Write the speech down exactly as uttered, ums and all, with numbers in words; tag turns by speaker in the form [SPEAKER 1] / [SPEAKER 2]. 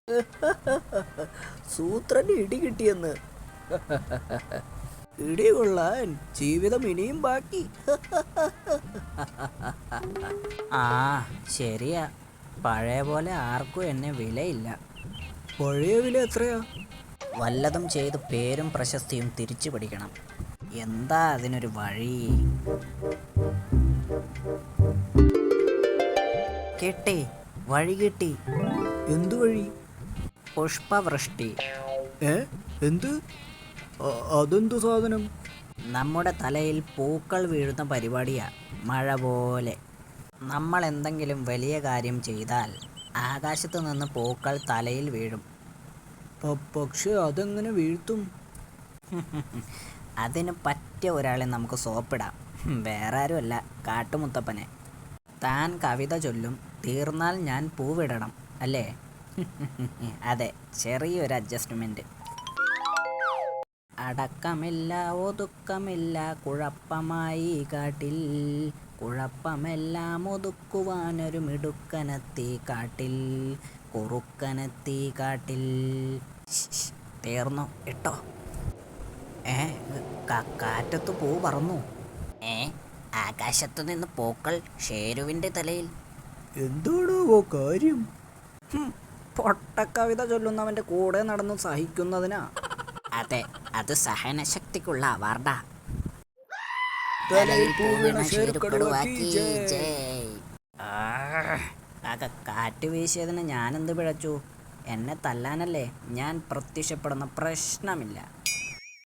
[SPEAKER 1] സൂത്രന് ഇടി കിട്ടിയെന്ന്. ഇടി കൊള്ളാൻ ജീവിതം ഇനിയും ബാക്കി.
[SPEAKER 2] ആ ശരിയാ, പഴയ പോലെ ആർക്കും എന്നെ വിലയില്ല.
[SPEAKER 1] പഴയ വില എത്രയാ?
[SPEAKER 2] വല്ലതും ചെയ്ത് പേരും പ്രശസ്തിയും തിരിച്ചു പിടിക്കണം. എന്താ അതിനൊരു വഴി? കിട്ടി, വഴി കിട്ടി.
[SPEAKER 1] എന്തു വഴി?
[SPEAKER 2] പുഷ്പവൃഷ്ടി.
[SPEAKER 1] ഏ എന്ത്? അതെന്തു സാധനം?
[SPEAKER 2] നമ്മുടെ തലയിൽ പൂക്കൾ വീഴുന്ന പരിപാടിയാ, മഴ പോലെ. നമ്മൾ എന്തെങ്കിലും വലിയ കാര്യം ചെയ്താൽ ആകാശത്ത് നിന്ന് പൂക്കൾ തലയിൽ വീഴും.
[SPEAKER 1] പക്ഷെ അതെങ്ങനെ വീഴ്ത്തും?
[SPEAKER 2] അതിന് പറ്റിയ ഒരാളെ നമുക്ക് സോപ്പിടാം. വേറെ ആരുമല്ല, കാട്ടുമുത്തപ്പനെ. താൻ കവിത ചൊല്ലും, തീർന്നാൽ ഞാൻ പൂവിടണം, അല്ലേ? അതെ, ചെറിയൊരു അഡ്ജസ്റ്റ്മെന്റ്. അടക്കമില്ല ഒതുക്കമില്ല കുഴപ്പമായി കാട്ടിൽ, കുഴപ്പമെല്ലാം ഒതുക്കുവാനൊരു മിടുക്കനെത്തി കാട്ടിൽ, കുറുക്കനെത്തി കാട്ടിൽ. തീർന്നു ഇട്ടോ? ഏ കാറ്റത്ത് പൂ പറന്നു. ഏ ആകാശത്തു നിന്ന് പൂക്കൾ ഷേരുവിൻ്റെ തലയിൽ.
[SPEAKER 1] എന്താണോ കാര്യം?
[SPEAKER 2] പൊട്ടക്കവിത ചൊല്ലുന്നവൻ്റെ കൂടെ നടന്ന് സഹിക്കുന്നതിനാ. അതെ, അത് സഹനശക്തിക്കുള്ള അവാർഡാ. കാറ്റ് വീശിയതിന് ഞാനെന്ത് പിഴച്ചു? എന്നെ തല്ലാനല്ലേ? ഞാൻ പ്രത്യക്ഷപ്പെടുന്ന പ്രശ്നമില്ല.